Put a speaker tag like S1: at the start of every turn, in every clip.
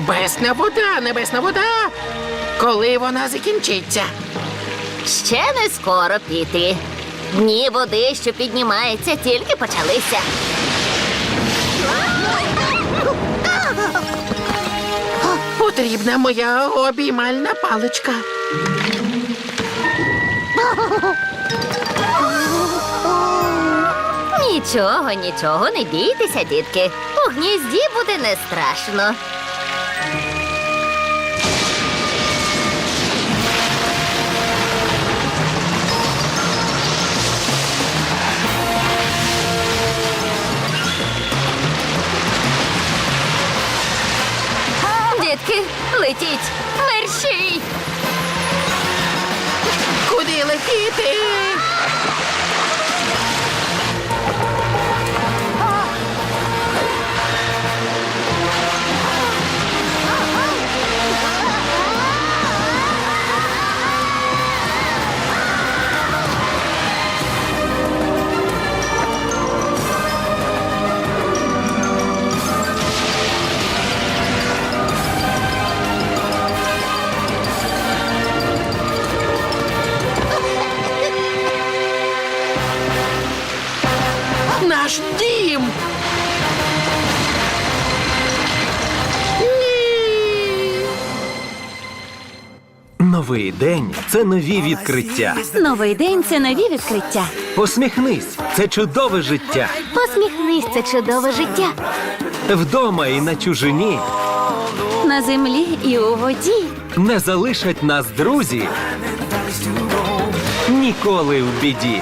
S1: Небесна вода! Коли вона закінчиться?
S2: Ще не скоро, Пітрі. Дні води, що піднімається, тільки почалися.
S1: Потрібна моя обіймальна паличка.
S2: Нічого, не бійтеся, дітки. У гнізді буде не страшно. Дітки, летіть! Мерщій!
S1: Куди летіти? Наш дім! Ні!
S3: Новий день – це нові відкриття.
S2: Новий день – це нові відкриття.
S3: Посміхнись – це чудове життя.
S2: Посміхнись, це чудове життя.
S3: Вдома і на чужині
S2: На землі і у воді.
S3: не залишать нас друзі ніколи в біді.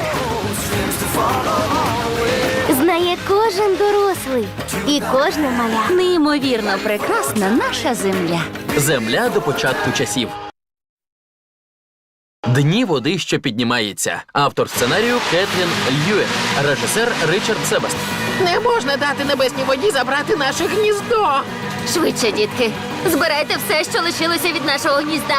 S2: Знає кожен дорослий і кожне маля. Неймовірно прекрасна наша земля.
S4: Земля до початку часів. Дні води, що піднімається. Автор сценарію Кетрін Льюен. Режисер Ричард Себаст.
S1: Не можна дати небесній воді забрати наше гніздо.
S2: Швидше, дітки. Збирайте все, що лишилося від нашого гнізда.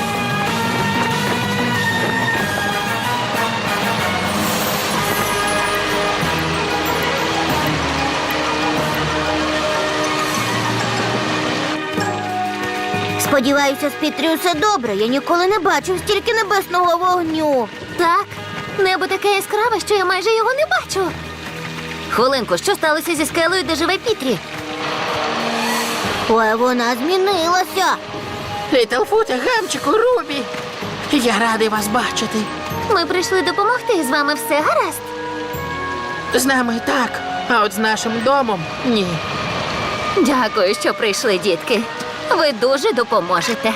S5: Сподіваюся, з Пітрі все добре. Я ніколи не бачив стільки небесного вогню.
S2: Так, небо таке яскраве, що я майже його не бачу. Хвилинку, що сталося зі скелею, де живе Пітрі?
S5: Ой, вона змінилася.
S1: Літлфуте, Гамчику, Рубі. Я радий вас бачити.
S2: Ми прийшли допомогти, з вами все гаразд.
S1: З нами так, а от з нашим домом – ні.
S2: Дякую, що прийшли, дітки. Ви дуже допоможете.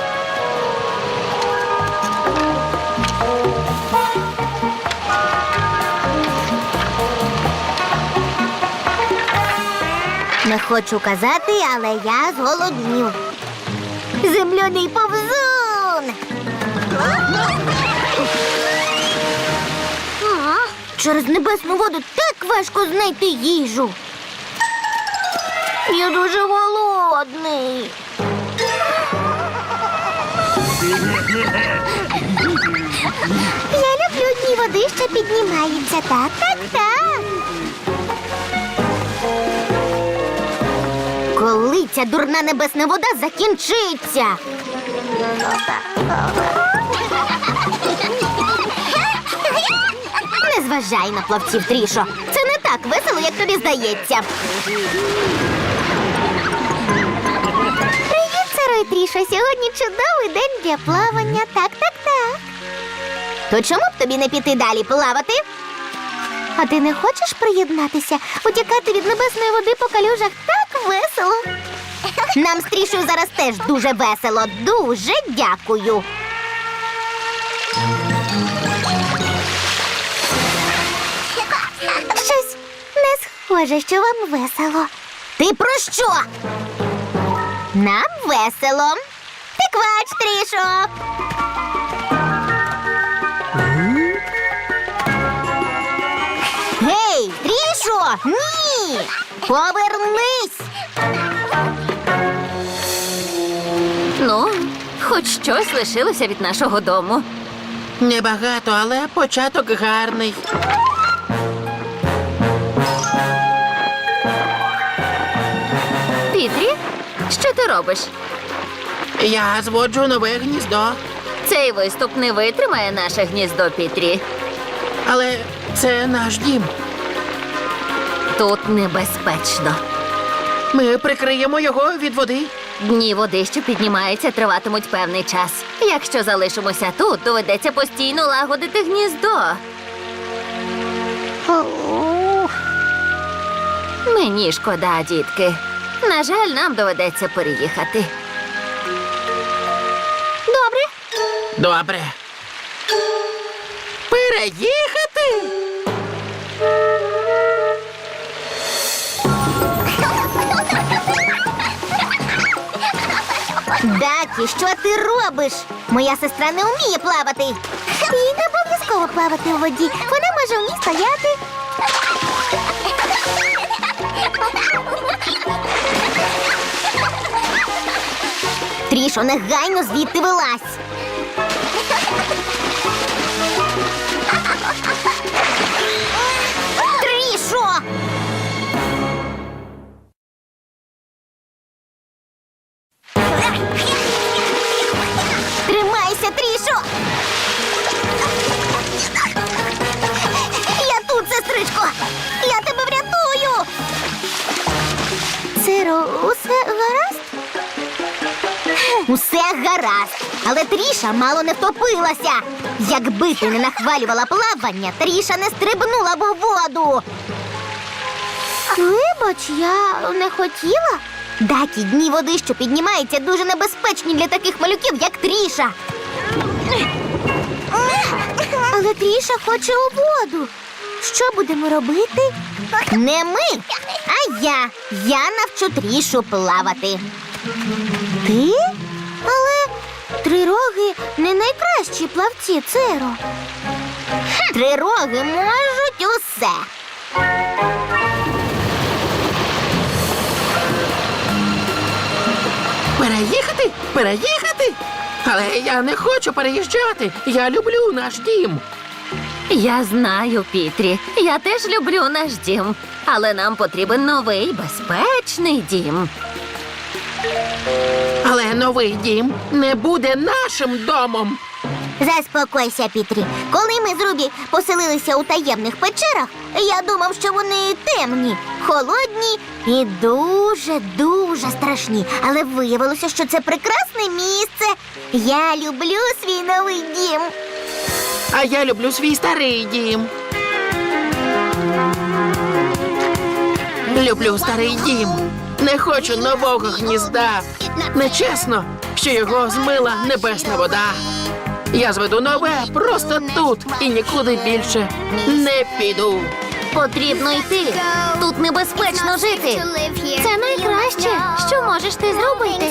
S5: Не хочу казати, але я зголоднів. Земляний повзун! Через небесну воду так важко знайти їжу. Я дуже голодний. Я люблю дні води, що піднімаються. Так. Коли ця дурна небесна вода закінчиться? Не зважай на плавців, Трішо. Це не так весело, як тобі здається. Привіт, Саро і Трішо. Сьогодні чудовий день для плавання. Так. То чому б тобі не піти далі плавати? А ти не хочеш приєднатися? Утікати від небесної води по калюжах так весело. Нам з Трішою зараз теж дуже весело. Дуже дякую. Щось не схоже, що вам весело. Ти про що? Нам весело. Ти квач, Трішо. Гей, Трішо! Ні! Повернись!
S2: Ну, хоч щось лишилося від нашого дому.
S1: Небагато, але початок гарний.
S2: Пітрі, Що ти робиш?
S1: Я зводжу нове гніздо,
S2: Цей виступ не витримає наше гніздо, Пітрі.
S1: але це наш дім.
S2: Тут небезпечно.
S1: Ми прикриємо його від води.
S2: Дні води, що піднімаються, триватимуть певний час. Якщо залишимося тут, доведеться постійно лагодити гніздо. Мені шкода, дітки. На жаль, нам доведеться переїхати.
S5: Добре.
S1: Добре. Переїхати?
S5: Дакі, що ти робиш? Моя сестра не вміє плавати. Їй не обов'язково плавати у воді. Вона може в ній стояти. Трішо, негайно звідти вилазь. Трішо! Тримайся, Трішо! Я тут, сестричко! Я тебе врятую! Циро, усе гаразд? Усе гаразд, але Тріша мало не втопилася. Якби ти не нахвалювала плавання, Тріша не стрибнула б у воду. Вибач, я не хотіла. Дакі, дні води, що піднімаються, дуже небезпечні для таких малюків, як Тріша. Але Тріша хоче у воду. Що будемо робити? Не ми, а я. Я навчу Трішу плавати. Ти? Але трироги не найкращі плавці, Циро. Трироги можуть усе.
S1: Переїхати? Переїхати? Але я не хочу переїжджати. Я люблю наш дім.
S2: Я знаю, Пітрі. Я теж люблю наш дім. Але нам потрібен новий безпечний дім.
S1: Але новий дім не буде нашим домом.
S5: Заспокойся, Пітрі. Коли ми з Рубі поселилися у таємних печерах, я думав, що вони темні, холодні і дуже страшні. Але виявилося, що це прекрасне місце. Я люблю свій новий дім.
S1: А я люблю свій старий дім. Люблю старий дім. Не хочу нового гнізда. Нечесно, що його змила небесна вода. Я зведу нове просто тут і нікуди більше не піду.
S2: Потрібно йти. Тут небезпечно жити. Це найкраще, що можеш ти зробити.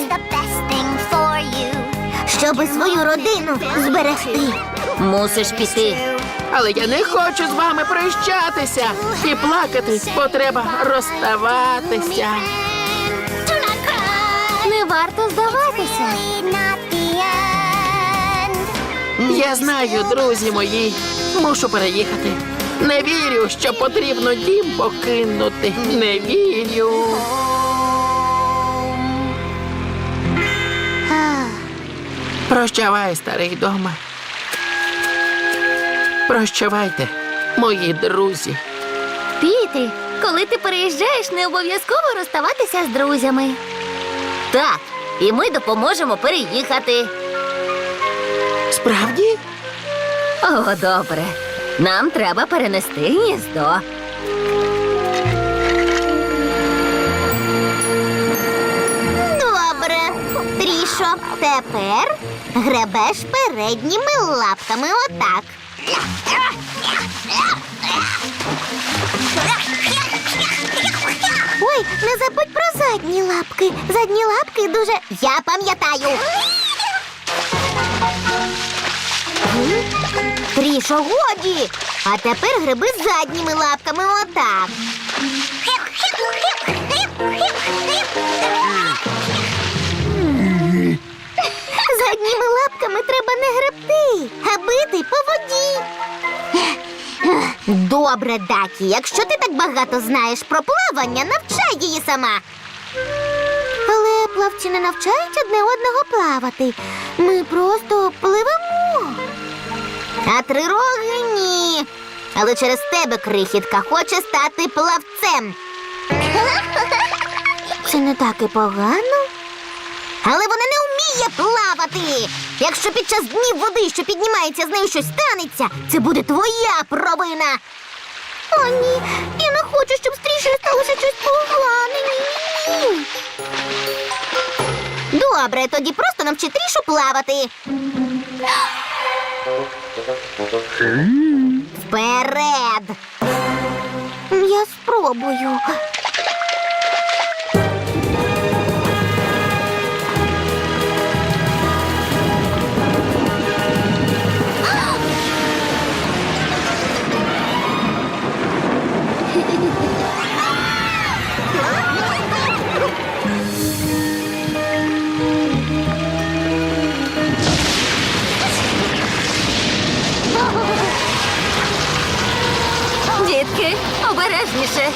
S5: Щоби свою родину зберегти.
S2: Мусиш піти.
S1: Але я не хочу з вами прощатися. І плакати, бо треба розставатися.
S2: Не варто здаватися.
S1: Я знаю, друзі мої, мушу переїхати. Не вірю, що потрібно дім покинути. Не вірю. Прощавай, старий дома. Прощавайте, мої друзі.
S2: Пітрі, коли ти переїжджаєш, не обов'язково розставатися з друзями. Так, і ми допоможемо переїхати.
S1: Справді?
S2: О, добре. Нам треба перенести гніздо.
S5: Добре. Трішо, тепер гребеш передніми лапками отак. Ой, не забудь про задні лапки. Задні лапки дуже... Я пам'ятаю. Трішо, годі. А тепер гриби задніми лапками отак. Задніми лапками треба не гребти, а бити по воді. Добре, Дакі, якщо ти так багато знаєш про плавання, навчай її сама. Але плавці не навчають одне одного плавати. Ми просто пливемо. А трироги ні. Але через тебе крихітка хоче стати плавцем. Це не так і погано. Але вона не вміє плавати. Якщо під час днів води, що піднімається, з нею щось станеться, це буде твоя провина. О, ні, я не хочу, щоб з Трішею сталося щось погане. Ні. Добре, тоді просто навчи Трішу плавати. Вперед! Я спробую.
S2: Дітки, обережніше.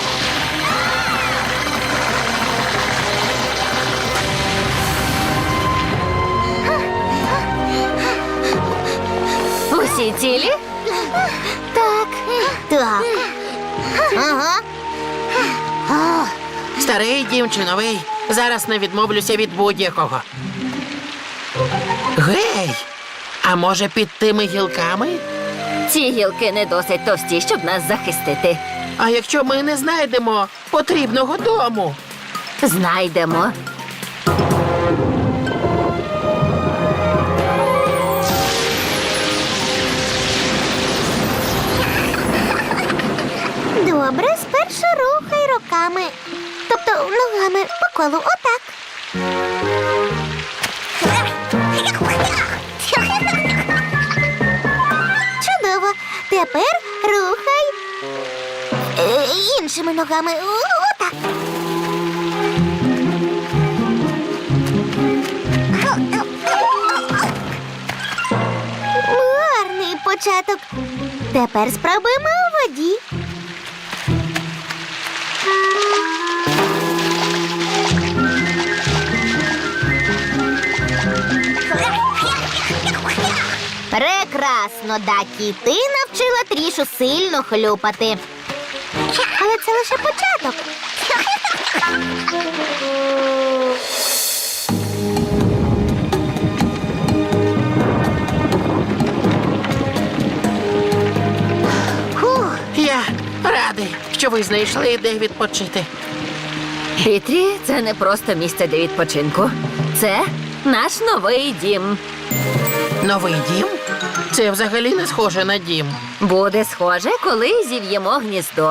S2: Усі цілі?
S5: Так. Так. Ага.
S1: Старий дім чи новий, зараз не відмовлюся від будь-якого. Гей! А може під тими гілками?
S2: Ці гілки не досить товсті, щоб нас захистити.
S1: А якщо ми не знайдемо потрібного дому?
S2: Знайдемо.
S5: Добре, спершу рухай руками. Тобто ногами по колу, отак. Чудово. Тепер рухай іншими ногами. Отак. Гарний початок. Тепер спробуємо у воді. Прекрасно, Дакі. Ти навчила Трішу сильно хлюпати. Але це лише початок.
S1: Я радий, що ви знайшли, де відпочити.
S2: Пітрі, це не просто місце для відпочинку. Це наш новий дім.
S1: Новий дім? Це взагалі не схоже на дім.
S2: Буде схоже, коли зів'ємо гніздо.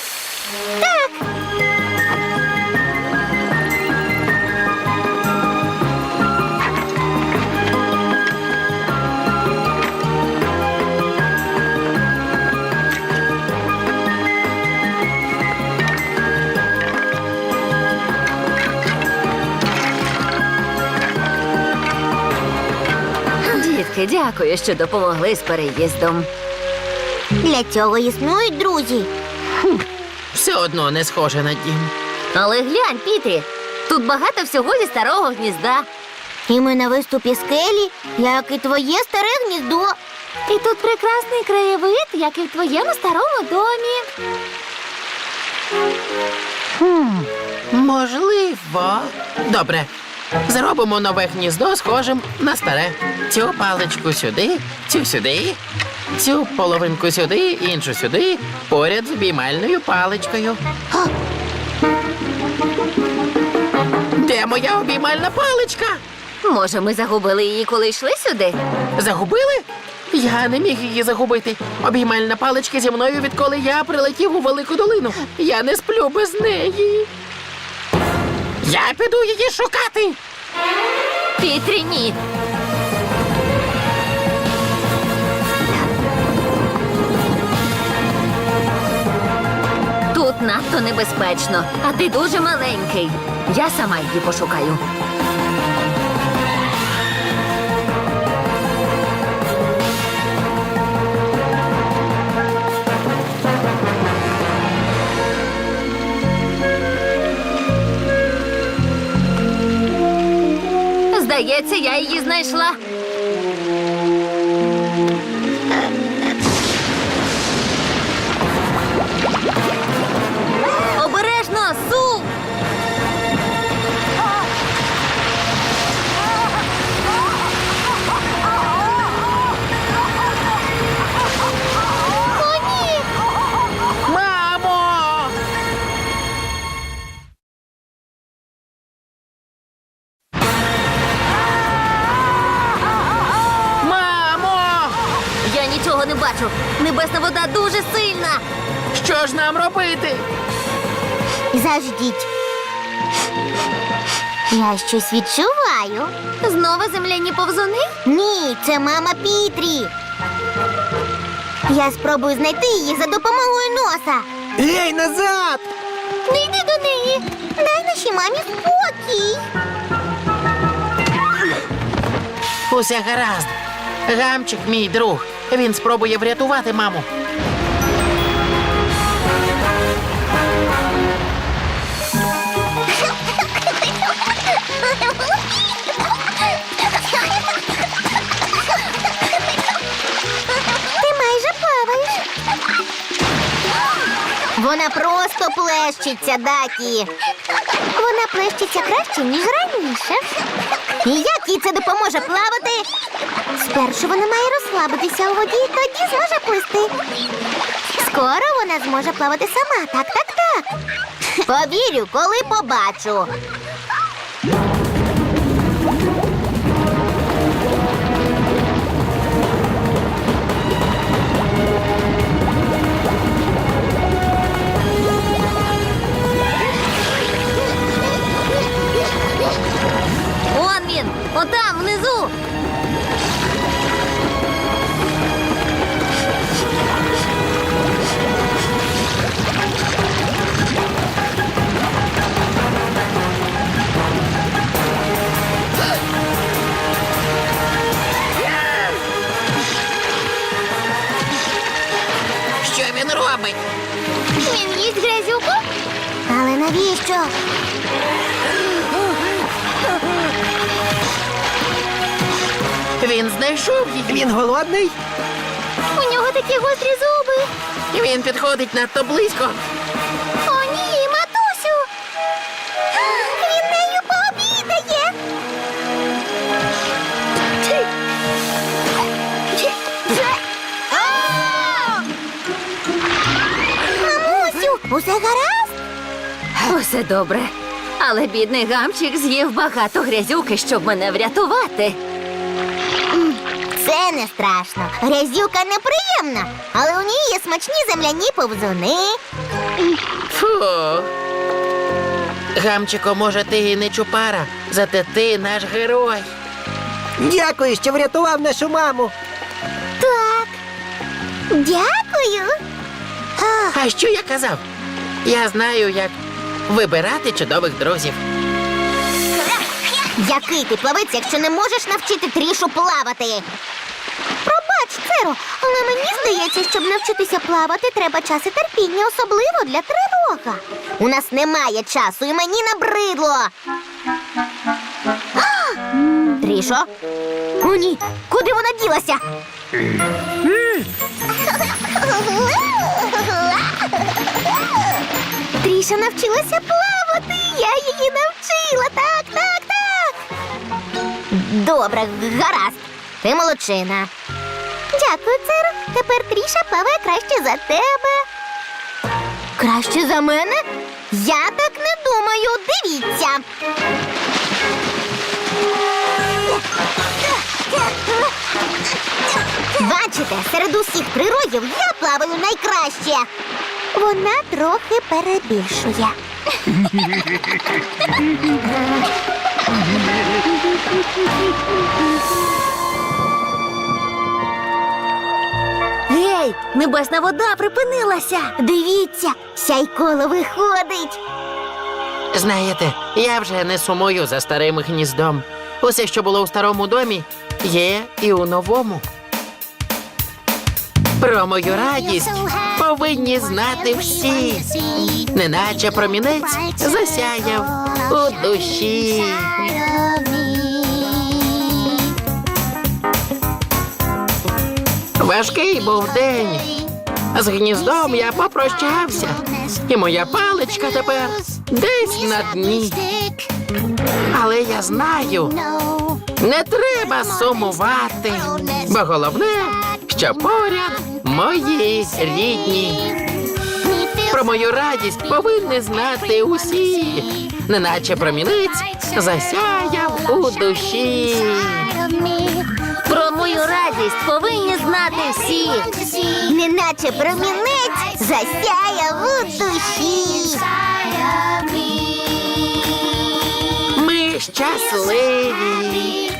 S2: Дітки, дякую, що допомогли з переїздом.
S5: Для цього існують друзі.
S1: Все одно не схоже на дім.
S2: Але глянь, Пітрі, тут багато всього зі старого гнізда.
S5: І ми на виступі скелі, як і твоє старе гніздо.
S2: І тут прекрасний краєвид, як і в твоєму старому домі.
S1: Можливо. Добре. Зробимо нове гніздо схожим на старе. Цю паличку сюди, цю сюди, цю половинку сюди, іншу сюди, поряд з обіймальною паличкою. Де моя обіймальна паличка?
S2: Може, ми загубили її, коли йшли сюди?
S1: Загубили? Я не міг її загубити. Обіймальна паличка зі мною, відколи я прилетів у Велику долину. Я не сплю без неї. Я піду її шукати.
S2: Пітрі, ні. Тут надто небезпечно, а ти дуже маленький. Я сама її пошукаю. Здається, я її знайшла. Обережно, Су!
S5: О, ні!
S1: Мамо! Мамо!
S2: Я нічого не бачу. Небесна вода дуже сильна.
S1: Що ж нам робити?
S5: Заждіть. Я щось відчуваю.
S2: Знову земляні повзуни?
S5: Ні, це мама Пітрі. Я спробую знайти її за допомогою носа.
S3: Ей, назад!
S5: Не йди до неї. Дай нашій мамі спокій.
S1: Усе гаразд. Гамчик, мій друг. Він спробує врятувати маму.
S5: Ти майже плаваєш. Вона просто плещеться, Дакі. Вона плещеться краще, ніж раніше. І як їй це допоможе плавати? Спершу вона має розслабитися у воді, тоді зможе плисти. Скоро вона зможе плавати сама. Так. Повірю, коли побачу.
S2: Он він! Отам, внизу!
S1: Що він робить?
S5: Він їсть грязюку? Але навіщо?
S1: Він знайшов її.
S3: Він голодний?
S5: У нього такі гострі зуби.
S1: Він підходить надто близько.
S5: О, ні, матусю! Він нею пообідає! Мамусю, усе гаразд?
S2: Усе добре. Але бідний гамчик з'їв багато грязюки, щоб мене врятувати.
S5: Це не страшно. Грязюка неприємна, але у ній є смачні земляні повзуни.
S1: Фу. Гамчико, може, ти і не чупара, зате ти наш герой.
S6: Дякую, що врятував нашу маму.
S5: Так. Дякую.
S1: А що я казав? Я знаю, як вибирати чудових друзів.
S5: Який ти плавець, якщо не можеш навчити Трішу плавати? Пробач, Церо, але мені здається, щоб навчитися плавати, треба час і терпіння, особливо для тривога. У нас немає часу, і мені набридло. Трішо? О, ні, куди вона ділася? Тріша навчилася плавати, я її навчила, так. Добре, гаразд. Ти молодчина. Дякую, Церо. Тепер Тріша плаває краще за тебе. Краще за мене? Я так не думаю. Дивіться. Бачите, серед усіх природів я плаваю найкраще. Вона трохи перебільшує.
S2: Гей, небесна вода припинилася.
S5: Дивіться, сяйколо виходить.
S1: Знаєте, я вже не сумую за старим гніздом. Усе, що було у старому домі, є і у новому. Про мою радість повинні знати всі, неначе промінець засяяв у душі. Важкий був день. З гніздом я попрощався, і моя паличка тепер десь на дні. Але я знаю, не треба сумувати, бо головне, що поряд мої рідні. Про мою радість повинні знати усі, неначе промінець засяяв у душі.
S2: Про мою радість повинні знати всі.
S5: Неначе промінець засяяв у душі.
S1: Ми щасливі.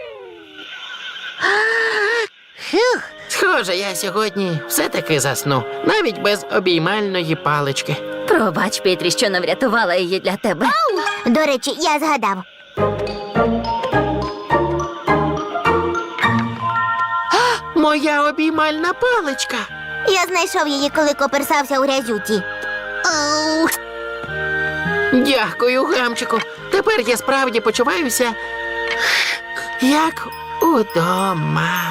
S1: Схоже, я сьогодні все-таки засну, навіть без обіймальної палички.
S2: Пробач, Петрі, що не врятувала її для тебе.
S5: До речі, я згадав.
S1: Моя обіймальна паличка.
S5: Я знайшов її, коли коперсався у грязюці.
S1: Дякую, гамчику. Тепер я справді почуваюся як удома.